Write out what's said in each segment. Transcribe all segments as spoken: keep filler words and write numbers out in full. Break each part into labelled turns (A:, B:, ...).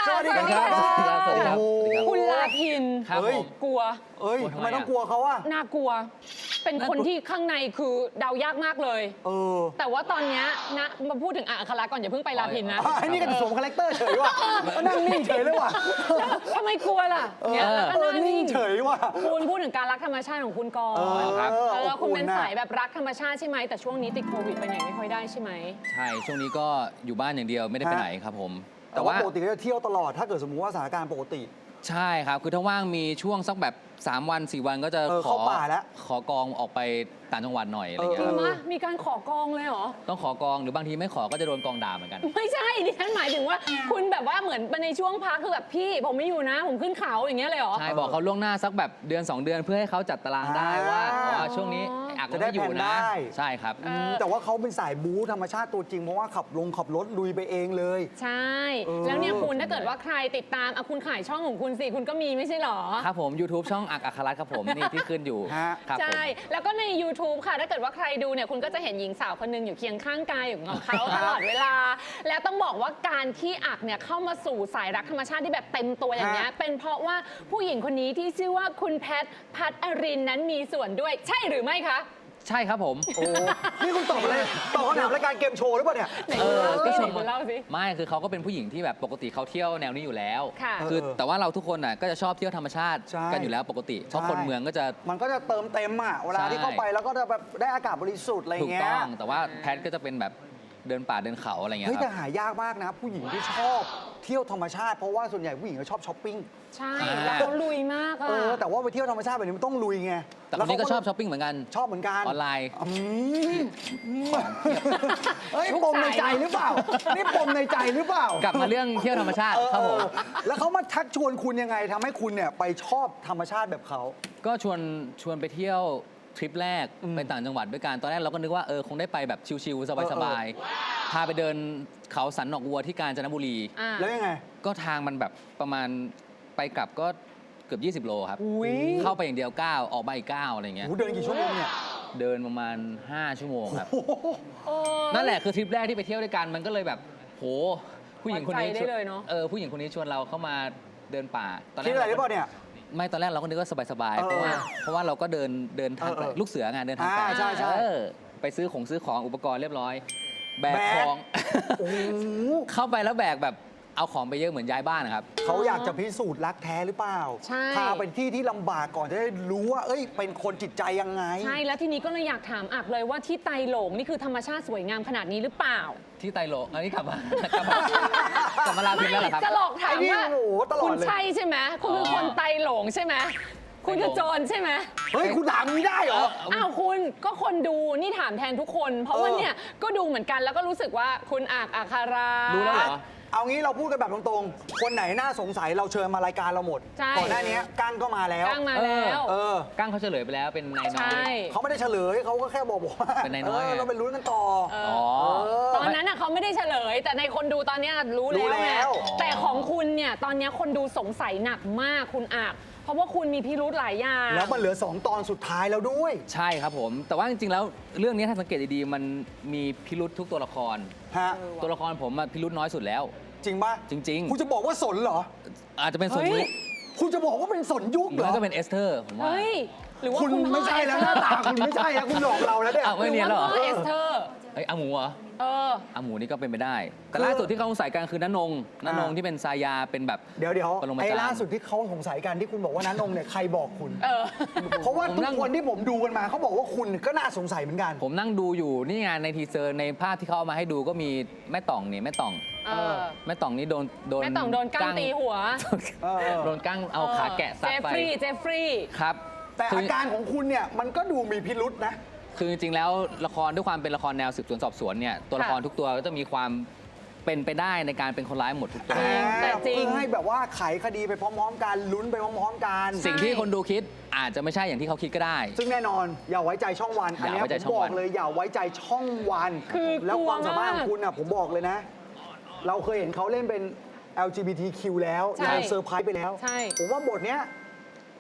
A: สวัสดีครับสวัสดีครับ
B: คุณลาพิน
A: ครับผม
B: กลัว
C: เอ้ยทำไมต้องกลัวเขาอะ
B: น่ากลัว เป็นคนที่ข้างในคือเดายากมากเลย
C: เออ
B: แต่ว่าตอนเนี้ยนะมาพูดถึงอัคราก่อนอย่าเพิ่งไปลาพินนะ
C: ไอ้นี่ก็สวมคาแรคเตอร์เฉยว่ะก็นั่งนิ่งเฉยเลยว่ะ
B: ทำไมกลัวล่ะเนี่ยแล้วก็
C: เออ
B: นั่ง
C: นิ่
B: นิ่
C: ง
B: ง
C: เฉยว่ะ
B: คุณพูดถึงการรักธรรมชาติของคุณก่อน
C: เออ
A: ครับ
B: เออ
C: อบ
B: คุณ
C: อุ่
B: เป็น
C: น่ะ
B: สายแบบรักธรรมชาติใช่ไหมแต่ช่วงนี้ติดโควิดไปไหนไม่ค่อยได้ใช่ไหม
A: ใช่ช่วงนี้ก็อยู่บ้านอย่างเดียวไม่ได้ไปไหนครับผม
C: แต่ว่าปกติก็จะเที่ยวตลอดถ้าเกิดสมมุติว่าสถานการณ์ปกติ
A: ใช่ครับคือถ้าว่างมีช่วงสักแบบสามวันสี่วันก็จะ
C: เออ
A: ขอ
C: เข้าป่าแล้ว
A: ขอกองออกไปต่างจังหวัดหน่อยอะไรอย่าง
B: จ
A: เงี้
B: ริ
A: ย
B: ง
A: ครับ
B: มะมีการขอกองเลยเหรอ
A: ต้องขอกองหรือบางทีไม่ขอก็จะโดนกองด่าเหมือนกัน
B: ไม่ใช่ดิฉันหมายถึงว่าคุณแบบว่าเหมือนในช่วงพักคือแบบพี่ผมไม่อยู่นะ ผมขึ้นเขาอย่างเงี้ยเลยเหรอ
A: ใช่บอกเขาล่วงหน้าสักแบบเดือนสองเดือนเพื่อให้เขาจัดตารางได้ว่าอ๋อช่วงนี้อัก
C: จะได้
A: ไม่อยู่
C: แผน
A: นะ
C: ได้
A: ใช่ครับ
B: เออ
C: แต่ว่าเขาเป็นสายบู๊ธรรมชาติตัวจริงเพราะว่าขับลงขับรถลุยไปเองเลย
B: ใช่
C: เออ
B: แล้วเนี่ยคุณถ้าเกิดว่าใครติดตามอ่ะคุณขายช่องของคุณสิคุณก็มีไม่ใช่เหรอ
A: ครับผม YouTube ช่องอักอัครรัตน์ครับผมนี่ที่ขึ้นอยู่
C: ฮะ
A: ครับผม
B: ใช่ แล้วก็ใน YouTube ค่ะ ถ้าเกิดว่าใครดูเนี่ยคุณก็จะเห็นหญิงสาวคนหนึงอยู่เคียงข้างกายของเขาตลอดเวลา แล้วต้องบอกว่าการที่อักเนี่ยเข้ามาสู่สายรักธรรมชาติที่แบบเต็มตัวอย่างเงี้ย
C: ฮะ
B: เป็นเพราะว่าผู้หญิงคนนี้ที่ชื่อว่าคุณแพทพัทอรินนั้นมีส่วนด้วย ใช่หรือไม่คะ
A: ใช่ครับผม
C: โอ้นี่คุณตอบอะไรตอบคำถามรายการเกมโชว์หรือเปล่าเนี่ย
B: ไหน
A: เอ
B: คุณ
A: อ
B: เล่าสิ
A: ก็ชม
B: คุณเล่าสิ
A: ไม่คือเขาก็เป็นผู้หญิงที่แบบปกติเขาเที่ยวแนวนี้อยู่แล้ว
B: ค่ะ
A: คือ
C: เออ
A: แต่ว่าเราทุกคนน่ะก็จะชอบเที่ยวธรรมชาติ
C: ใช่
A: กันอยู่แล้วปกติเพราะคนเมืองก็จะ
C: มันก็จะเติมเต็มอ่ะเวลาที่
A: ใช่
C: เข้าไปแล้วก็จะแบบได้อากาศบริสุทธิ์อะไร
A: ถูก
C: เงี้ย
A: ต้องแต่ว่าแพทก็จะเป็นแบบเดินป่าเดินเขาอะไรเงี้
C: เฮ้
A: ย
C: ย
A: ค
C: แต่
A: รับ
C: หายากมากนะ ผู้หญิงที่ชอบเที่ยวธรรมชาติเพราะว่าส่วนใหญ่ผู้หญิงก็ชอบช้อปปิ้ง
B: ใช่
A: อ่า
B: แล้วเขาลุยมากอะ
C: เออแต่ว่าไปเที่ยวธรรมชาติแบบนี้มันต้องลุยไง
A: แต่คนนี้ก็ชอบช้อปปิ้งเหมือนกัน
C: ชอบเหมือนกัน
A: ออนไลน์
C: อืมเฮ้ยปมในใจหรือเปล่านี่ปมในใจหรือเปล่าก
A: ลับมาเรื่องเที่ยวธรรมชาติครับผม
C: เออแล้วเขามาทักชวนคุณยังไงทำให้คุณเนี่ยไปชอบธรรมชาติแบบเขา
A: ก็ชวนชวนไปเที่ยวทริปแรก
C: อืม
A: ไปต่างจังหวัดด้วยกันตอนแรกเราก็นึกว่าเออคงได้ไปแบบชิลๆสบายๆพาไปเดินเขาสันหนอกวัวที่กาญจนบุรี
B: อ่า
C: แล้วยังไง
A: ก็ทางมันแบบประมาณไปกลับก็เกือบ ยี่สิบ โลครับ
B: อุ้ย
A: เข้าไปอย่างเดียวเก้าออกมาอีกเก้าอะไรเงี้ย
C: โอ้โหเดินกี่ชั่วโมงเนี่ย
A: เดินประมาณ ห้า ชั่วโมงครับ
C: โอ้โห
B: เออ
A: นั่นแหละคือทริปแรกที่ไปเที่ยวด้วยกันมันก็เลยแบบโหผู้หญิงคนนี้
B: ไว้ใจได้เลยเนอะ
A: เออผู้หญิงคนนี้ชวนเราเข้ามาเดินป่าตอนแร
C: คิด
A: ก
C: อะไรหรือเปล่าเนี่ย
A: ไม่ตอนแรกเราก็นึกว่าสบายๆ
C: เออ
A: เพราะว่าเพราะว่าเราก็เดินเดินทาง
C: เออเออ
A: ลูกเสืองานเดินทาง
C: อ่า
A: ไกล
C: ใช่ใช่
A: เออไปซื้อของซื้อของอุปกรณ์เรียบร้อย แบก
C: แบก
A: ของ
C: โอ้โห
A: เข้าไปแล้วแบกแบบเอาของไปเยอะเหมือนย้ายบ้านนะครับ
C: เขาอยากจะพิสูจน์รักแท้หรือเปล่า
B: ใช่
C: พาไปที่ที่ลำบากก่อนจะได้รู้ว่า เอ้ย เป็นคนจิตใจยังไง
B: ใช่ แล้วทีนี้ก็เลยอยากถามอักเลยว่าที่ไตโหลงนี่คือธรรมชาติสวยงามขนาดนี้หรือเปล่า
A: ที่ไตโลอันนี้กลับมากลับมากลับมาลาพินแล้วเหรอครับ
B: จะหลอกถาม
C: ไอ้นี่
B: ว่า
C: โอ้โหตลอดเลย
B: คุณใช่ใช่ไหมคุณคือคนไตโหลงใช่ไหมคุณคือโจรใช่ไหม
C: เฮ้ย คุณถามอย่างนี้ได้เหรอ
B: อ้าวคุณก็คนดูนี่ถามแทนทุกคน เพราะว่า
C: เออ
B: เนี่ยก็ดูเหมือนกันแล้วก็รู้สึกว่าคุณอักอัคารา
A: รู้แล้วเหรอ
C: เอางี้เราพูดกันแบบตรงๆ คนไหนน่าสงสัยเราเชิญมารายการเราหมด
B: ใช่
C: ก่อนหน้านี้กั้งก็มาแล้ว
B: ตั้งมาแล้ว
C: เออ
A: กั้งเขาเฉลยไปแล้วเป็นนายน้อ
B: ใช่
A: ย
C: เขาไม่ได้เฉลยเขาก็แค่บอกบอกว่า
A: เป็นนายน้อยไง
C: เเราไปลุ้นกันต่อ
B: เอ
A: อ๋อ
C: เออ
B: ตอนนั้นน่ะเขาไม่ได้เฉลย แต่ในคนดูตอนเนี้ยรู้
C: รู้
B: แล้วไง
C: แล้ว
B: แต่ของคุณเนี่ยตอนเนี้ยคนดูสงสัยหนักมากคุณอักเพราะว่าคุณมีพิรุธหลายอย่าง
C: แล้วมันเหลือสองตอนสุดท้ายแล้วด้วย
A: ใช่ครับผม แต่ว่าจริงๆแล้วเรื่องนี้ถ้าสังเกตดีๆมันมีพิรุษทุกตัวละคร
C: ฮะ
A: ตัวละครผมอะพิรุษน้อยสุดแล้ว
C: จริงป่ะ
A: จริง
C: คุณจะบอกว่าสนเหรอ
A: ๆ อาจจะเป็นส่วน
B: เฮ้
A: นี้
B: ย
C: คุณจะบอกว่าเป็นสนยุคเหร
A: แล้
C: อ
A: วก็เป็นเอสเธอร์ผมว่า
B: เฮ้ย หรือว่า
C: คุณ
B: คุณ
C: ไม่ใช่แล้วหน้าตาคุณไม่ใช่แล้วคุณหลอกเราแล้วเนี่ย
A: อ้าว
B: ห
A: ไม่
B: รือ
A: เนียน
B: ว่า
A: แล้วเหรอ
B: พ่อเอสเธอร์
A: เอ้ยอาหมูเหรอ
B: เออ
A: อาหมูนี่ก็เป็นไปได้ แต่
C: คือ
A: ล่าสุดที่เขาสงสัยกันคือนันนงนันนง
C: อ่า
A: ที่เป็นซายาเป็นแบบ
C: เดี๋ยวเดี๋ยว
A: ปรมา
C: ไอ้
A: จารย์
C: ล่าสุดที่เขาสงสัยกันที่คุณบอกว่าน้านงเนี่ยใครบอกคุณ
B: เออ
C: เพราะว่า
A: ผม
C: ทุ
A: นั่
C: ก
A: ง
C: คนที่ผมดูกันมาเขาบอกว่าคุณก็น่าสงสัยเหมือนกัน
A: ผมนั่งดูอยู่นี่ไงในทีเซอร์ในภาพที่เขาเอามาให้ดูก็มีแม่ต่องนี่แม่ต่อง
B: เออ
A: แม่ต่องนี่โดนโดน
B: แม่ต่องโดนกั้งตีหัว
C: เออ
A: โดนกั้งเอาขาแกะซัด
B: เจฟ
A: ไป
B: ฟรีย์เจฟฟรีย์
A: ครับ
C: แต่
A: คื
C: อาการของคุณเนี่ยมันก็ดูมีพิรุษนะ
A: คือจริงๆแล้วละครด้วยความเป็นละครแนวสืบสวนสอบสวนเนี่ยตัวละครทุกตัวก็จะมีความเป็นไปได้ในการเป็นคนร้ายหมดทุกตัว
B: แต่จริง
C: เพื่อให้แบบว่าไขคดีไปพร้อมๆกันลุ้นไปพร้อมๆกัน
A: สิ่งที่คนดูคิดอาจจะไม่ใช่อย่างที่เขาคิดก็ได้
C: ซึ่งแนอนอย่าไว้ใจช่องวัน อัน
A: อย่า
C: เนี้ย
A: ไว้ใจ
C: ผม
A: ช่อง
C: บอ
A: วั
C: ก
A: น
C: เลยอย่าไว้ใจช่องวัน
B: คือ
C: แล้วความสามารถ
B: กลัวมาก
C: ของคุณน่ะผมบอกเลยนะ เราเคยเห็นเขาเล่นเป็น แอล จี บี ที คิว แล้ว
B: ใช่
C: เราเซอร์ไพรส์ไปแล้ว
B: ใช่
C: ผมว่าบทเนี้ย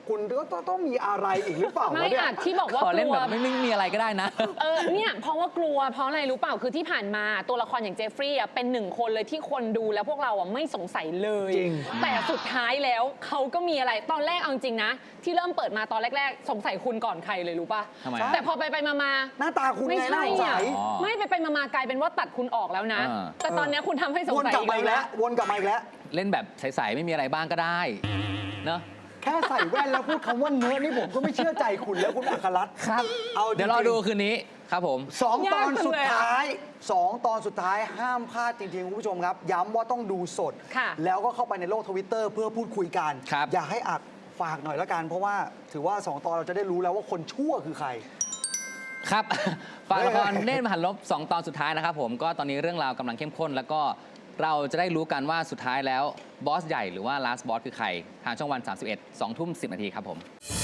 C: คุณก็ต้องต้องมีอะไรอีกหรือเปล่า
B: ไม่
C: วะเนี่ย
B: อาจที่บอกว่า
A: ขอก เล่น
B: ลัว
A: แบบไม่ไม่มีอะไรก็ได้นะ
B: เออเนี่ยเพราะว่ากลัวเพราะอะไรรู้เปล่าคือที่ผ่านมาตัวละครอย่างเจฟฟรีย์อะเป็นหนึ่งคนเลยที่คนดูแล้วพวกเราอะไม่สงสัยเลย
C: จริง
B: แต่สุดท้ายแล้วเขาก็มีอะไรตอนแรกเอาจริงนะ ที่เริ่มเปิดมาตอนแรก ๆ สงสัยคุณก่อนใครเลยรู้ป่ะ
A: ทำไม
B: แต่พอไปไปๆมา
C: หน้าตาคุณ
B: ๆไม่
C: ไงน่า
B: ใช่
C: สงสั
B: อ่ะ
C: ย
A: อ๋อ
B: ไม่ไปไปๆมาๆกลายเป็นว่าตัดคุณออกแล้วนะ
A: อ่า
B: แต่ตอนเนี้ยคุณทำให้สง
C: วน
B: สัย
C: กลับมาอีกแล้ว
B: นะ
C: วนกลับมาอีกแล้ว
A: เล่นแบบใสๆไม่มีอะไรบ้างก็ได้เนอะ
C: แค่ใส่แว่นแล้วพูดคำว่าเนื้อะนี่ผมก็ไม่เชื่อใจคุณแล้วคุณอัครรัตน์
A: ครับ
C: เอาจริงๆ
A: เดี๋ยวรอดูคืนนี้ครับผม
C: สองตอน
B: ยากจัง
C: สุด
B: เลยอะ
C: ท้ายสองตอนสุดท้ายห้ามพลาดจริงๆคุณผู้ชมครับ ย้ำว่าต้องดูสด
B: ค่ะ
C: แล้วก็เข้าไปในโลกทวิตเตอร์เพื่อพูดคุยกัน
A: ครับ
C: อยากให้อักฝากหน่อยละกัน เพราะว่าถือว่าสองตอนเราจะได้รู้แล้วว่าคนชั่วคือใคร
A: ครับ ฝากละคร
C: เฮ้ย
A: เนตรมหันลบสองตอนสุดท้ายนะครับผมก็ตอนนี้เรื่องราวกำลังเข้มข้น แล้วก็เราจะได้รู้กันว่าสุดท้ายแล้วบอสใหญ่หรือว่า last boss คือใคร ทางช่องวัน สามสิบเอ็ด สองทุ่มสิบนาทีครับผม